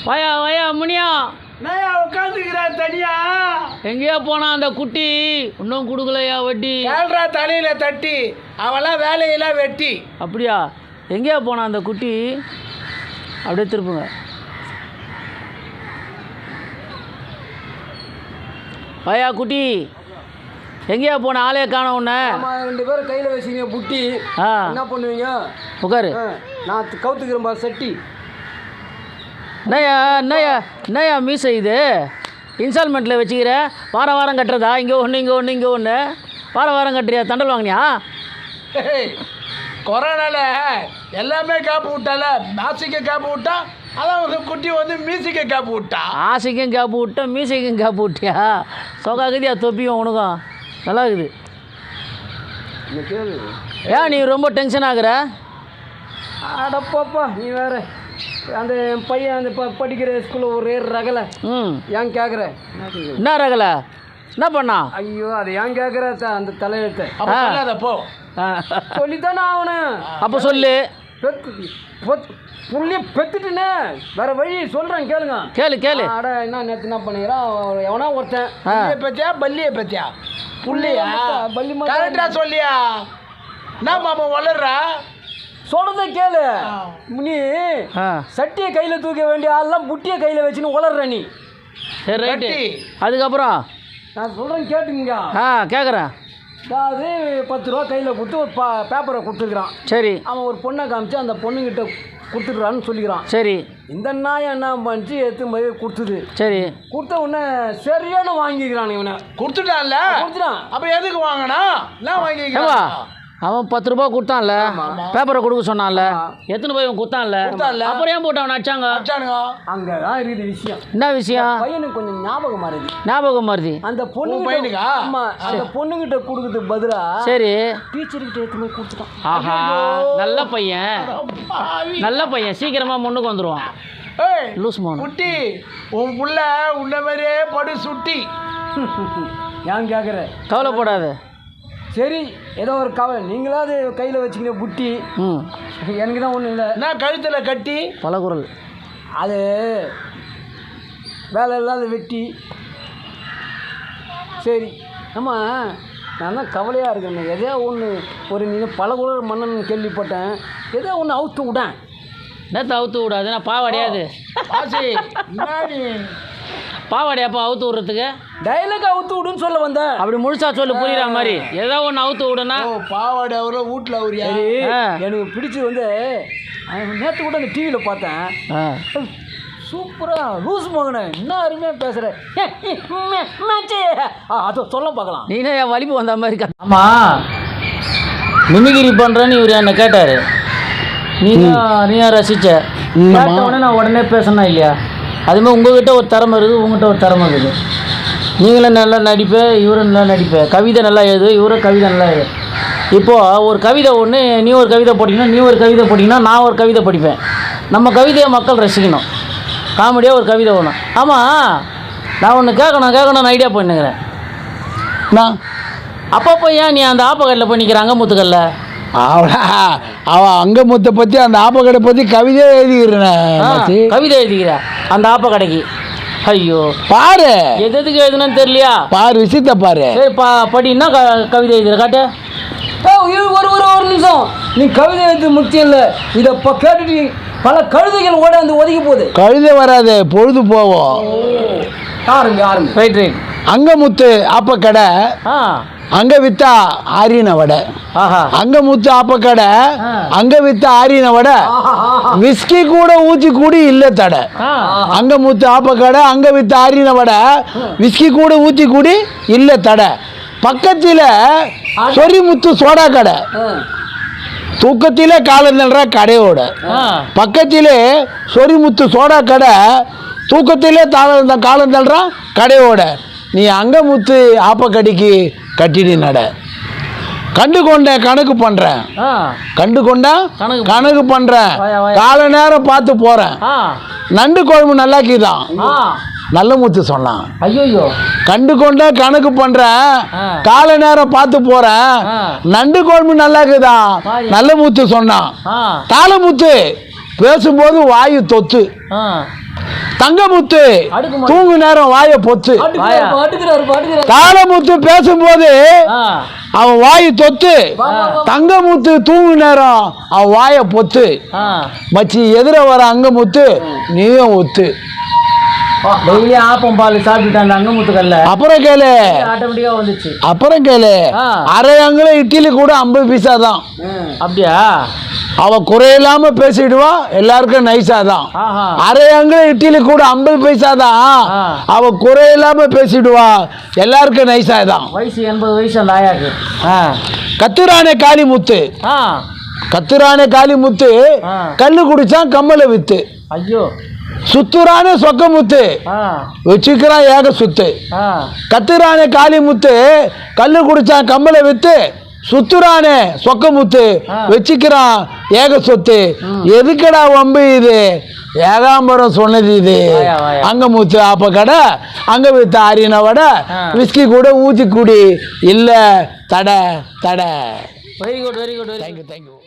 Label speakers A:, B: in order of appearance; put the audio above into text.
A: வாயா வாயா முனியா,
B: நான் உட்காந்துக்கிறேன் தனியா.
A: எங்கேயா போனா அந்த குட்டி? இன்னும் கொடுக்கலையா வட்டி?
B: கேள்றா தலையில தட்டி, அவெல்லாம் வேலையெல்லாம் வெட்டி.
A: அப்படியா? எங்கேயா போனா அந்த குட்டி? அப்படியே திருப்புங்க. வாயா குட்டி, எங்கேயா போன? ஆளே காண உன்னை.
C: ரெண்டு பேரும் கையில் வச்சுங்க புட்டி. என்ன பண்ணுவீங்க?
A: உட்காரு.
C: நான் கவுத்துக்கிறேன்பா சட்டி.
A: என்னையா மீசை இது? இன்ஸ்டால்மெண்ட்டில் வச்சுக்கிற? வாரம் வாரம் கட்டுறதா? இங்கே ஒன்று இங்கே ஒன்று இங்கே ஒன்று, வாரம் வாரம் கட்டுறியா? தண்டல் வாங்கினியா?
B: கொரோனால எல்லாமே காப்பு விட்டால, மாசிக்க காப்பு விட்டா, அதான் வந்து குட்டி வந்து மீசிக்க காப்பு விட்டா.
A: ஆசைக்கும் கேப்பு விட்டேன், மீசைக்கும் கேப்பு விட்டியா? சொகாக்குதியா தொப்பியும் உனக்கும் நல்லா இருக்குது. ஏன் நீ ரொம்ப டென்ஷன் ஆகுற?
C: அடப்பாப்பா நீ வேற. அந்த பையன் அந்த படிக்கிற ஸ்கூலில் ஒரே ரகலை. ஏன் கேட்குற?
A: என்ன ரகலை? என்ன பண்ணா?
C: ஐயோ அதை ஏன் கேட்குற? அந்த தலையெழுத்தை
B: போ
C: சொல்லித்தானே ஆகணும்.
A: அப்போ சொல்லு.
C: புள்ளிய பெத்துட்டுனே வேற வழி சொல்கிறேன் கேளுங்க.
A: கேளு.
C: அட என்ன நேற்று என்ன பண்ணிக்கிறான் எவனா ஒருத்தன்.
B: பத்தியா பல்லியை பத்தியா புள்ளியா
C: பள்ளி
B: கரெக்டா சொல்லியா? என்ன மாமா வளர்றா?
C: சொல்றத கேளு. நீ சட்டியை கையில் தூக்க வேண்டிய ஆள்லாம் புட்டியை கையில் வச்சுன்னு உளர்ற நீ.
A: சரி ரைட்டு. அதுக்கப்புறம்
C: நான் சொல்கிறேன் கேட்டுங்க.
A: கேட்குறேன்.
C: அதாவது 10 ரூபா கையில் கொடுத்து ஒரு பேப்பரை கொடுத்துருக்குறான்.
A: சரி.
C: அவன் ஒரு பொண்ணை காமிச்சு அந்த பொண்ணுங்கிட்ட கொடுத்துட்றான்னு சொல்லிக்கிறான்.
A: சரி.
C: இந்த நாயை என்ன பண்ணிச்சு எடுத்து போய் கொடுத்துது.
A: சரி.
C: கொடுத்த உடனே சரியான வாங்கிக்கிறான். இவனை
B: கொடுத்துட்டான்ல,
C: கொடுத்துட்டான்.
B: அப்போ எதுக்கு வாங்கினா? என்ன வாங்கிக்கிறான்?
A: அவன் 10 ரூபா கொடுத்தான்ல, பேப்பரை கொடுக்க சொன்னான்ல, எத்தனை போய் அவன் கொடுத்தான்ல, அப்புறம் ஏன் போட்டு அவன் அடிச்சாங்க?
C: அங்கதான் இருக்குது விஷயம்.
A: என்ன விஷயம்?
C: பையனுக்கு கொஞ்சம்
A: ஞாபகம் மாறுது.
C: அந்த பொண்ணு பையனுக்கா? ஆமா, அந்த பொண்ணுகிட்ட கொடுக்குறதுக்கு பதிலா
A: சரி
C: டீச்சர்கிட்ட எடுத்து போய் கொடுத்துட்டான்.
A: ஆஹா, நல்ல பையன் சீக்கிரமா முன்னுக்கு வந்துருவான். லூஸ் மோன்
B: குட்டி, உன் புள்ள உன்ன மாதிரியே படு சுட்டி.
C: ஏன் கேட்குற?
A: கவலைப்படாத.
C: சரி, ஏதோ ஒரு கவலை. நீங்களாவது கையில் வச்சுக்கிற புட்டி. எனக்கு தான் ஒன்றும் இல்லை.
B: நான் கழுத்தில் கட்டி
A: பல குரல்.
C: அது வேலை இல்லாத வெட்டி. சரி, நம்ம நான் தான் கவலையாக இருக்கேன். எதோ ஒன்று ஒரு நீங்கள் பல குரல் மன்னன் கேள்விப்பட்டேன். ஏதோ ஒன்று அவுத்து விடேன்.
A: என்னத்தை அவுத்து விடாது? நான் பாவாடையாது பாவாடையாப்பா அவுத்து விட்றதுக்கு?
C: டைலாக் அவுத்து விடுன்னு சொல்ல வந்தேன்.
A: அப்படி முழுசா சொல்லு, புரியுற மாதிரி. ஏதோ ஒன்று அவுத்து விடுனா
B: பாவாடை அவரை வீட்டில் அவரியா?
C: எனக்கு பிடிச்சி வந்து நேற்று கூட அந்த டிவியில் பார்த்தேன். சூப்பராக லூஸ் மகனே, என்ன அருமையாக பேசுகிற. அதை சொல்ல பார்க்கலாம்.
A: நீனே என் வலிப்பு வந்த மாதிரி. ஆமாம், மிமிகிரி பண்ணுறேன்னு இவர் என்னை கேட்டார். நீயா ரசித்த கேட்டவுடனே நான் உடனே பேசணும் இல்லையா? அதுமாதிரி உங்கள்கிட்ட ஒரு திறமை இருக்குது, உங்கள்கிட்ட ஒரு திறமை இருக்குது. நீங்களும் நல்லா நடிப்பேன், இவரும் நல்லா நடிப்பேன். கவிதை நல்லா எழுது, இவரும் கவிதை நல்லா எழுது. இப்போது ஒரு கவிதை ஒன்று, நீ ஒரு கவிதை படிக்கணும், நீ ஒரு கவிதை படிக்கணும், நான் ஒரு கவிதை படிப்பேன். நம்ம கவிதையை மக்கள் ரசிக்கணும். காமெடியாக ஒரு கவிதை ஒன்று. ஆமாம், நான் ஒன்று கேட்கணும்னு ஐடியா பண்ணுங்கிறேன். நான் அப்பப்போ ஏன் நீ அந்த ஆப்பக்கல்லில் போய் நிற்கிற? அங்கமுத்துக்கல்ல
B: அவன் அங்கமுத்தை பற்றி, அந்த ஆப்பக்கடை பற்றி கவிதையே எழுதிக்கிறேன்.
A: கவிதை எழுதிக்கிற அந்த ஆப்பக்கடைக்கு? ஐயோ,
B: பாரு
A: எதுக்கு எழுதுனு தெரியலையா?
B: பாரு விஷயத்த பாரு.
A: சரி படின்னா கவிதை எழுதுற காட்டு.
C: ஒரு நிமிஷம். நீ கவிதை எழுத்து முக்கியம் இல்லை. இதை கேட்டுட்டு பல கழுதைகள் ஓட வந்து ஒதுக்கி போகுது.
B: கழுதை வராது, பொழுது போவோம்.
A: ரைட்.
B: அங்கமுத்து ஆப்பக்கடை, அங்க வித்தா ஆரியன வடை. அங்கமுத்து ஆப்பக்கடை, அங்க வித்தா ஆரியன வடை. விஸ்கி கூட ஊற்றி கூடி இல்லை தடை. அங்கமுத்து ஆப்பக்கடை, அங்க வித்தா ஆரியன வடை. விஸ்கி கூட ஊற்றி கூடி இல்லை தடை. பக்கத்தில் சொரிமுத்து சோடா கடை. தூக்கத்திலே காலம் தள்ளுற கடையோட பக்கத்திலே சொரிமுத்து சோடா கடை. தூக்கத்திலே காலம் தள்ளுறான் கடையோட. நீ அங்கமுத்து ஆப்பக்கடிக்கு கட்டிடி நட. கண்டு கொண்ட கணக்கு பண்ணுறேன், கண்டு கொண்டா கணக்கு பண்ணுறேன். கால நேரம் பார்த்து போகிறேன். நண்டு குழம்பு நல்லாக்கிதான் நல்ல முத்து சொன்னான்.
A: ஐயோ,
B: கண்டு கொண்ட கணக்கு பண்ணுறேன், கால நேரம் பார்த்து போகிறேன். நண்டு குழம்பு நல்லாக்குதான் நல்ல முத்து சொன்னான். தாளமுத்து பேசும்போது வாயு தொத்து.
A: ஆ
B: தங்கமுத்து
A: அடுக்கு மாடி.
B: தூங்கு நேரம் வாயை பொத்து.
C: பாட்டுக்கிறாரு
B: தாளமுத்து பேசும்போது
A: ஆ
B: அவன் வாயு தொத்து. தங்கமுத்து தூங்கு நேரம் அவன் வாயை பொத்து.
A: ஆ
B: மச்சி எதிர வர அங்கமுத்து நீயும் ஒத்து.
A: டெய்லி ஆப்பம் பால் சாப்பிட்டுட்டு அந்த அங்கமுத்துக்கல்ல
B: அப்புறம் கேளு
A: ஆட்டோமேட்டிக்கா வந்துச்சு.
B: அப்புறம் கேளு
A: ஆ.
B: அரை அங்குல இட்லி கூட 50 பைசா தான்.
A: அப்படியா?
B: அவ குறையில்லாம பேசிடுவா, எல்லாருக்கும் நைஸா தான்.
A: ஆஹா
B: அரை அங்குல இட்லி கூட 50 பைசா தான்.
A: ஆ.
B: அவ குறையில்லாம பேசிடுவா, எல்லாருக்கும் நைஸா தான்.
A: வயசு 80 வயசு அந்த ஆயாக்கு. ஆ
B: கத்துரானே காளிமுத்து.
A: ஆ
B: கத்துரானே காளிமுத்து
A: ஆ.
B: கல்லு குடிச்சான் கம்மலை வித்து.
A: ஐயோ.
B: சுத்துரானே சொக்கமுத்து
A: ஆ
B: வச்சுக்கிறான் ஏக சுத்து.
A: ஆ
B: கத்துரானே காளிமுத்து கல்லு குடிச்சான் கம்மலை வித்து. சுத்துறானே சொக்கமுத்து
A: ஆ.
B: வச்சுக்கிறான் ஏக சொத்து. எதுக்கடா வம்பு இது? ஏகாம்பரம் சொன்னது இது.
A: வாயா, வாயா.
B: அங்கமுத்து ஆப்ப கடை அங்க வித்த ஆரின வடை
A: ஆ.
B: விஸ்கி கூட ஊத்தி குடி இல்ல தடை தடை.
A: Very good very good very
B: thank you thank you.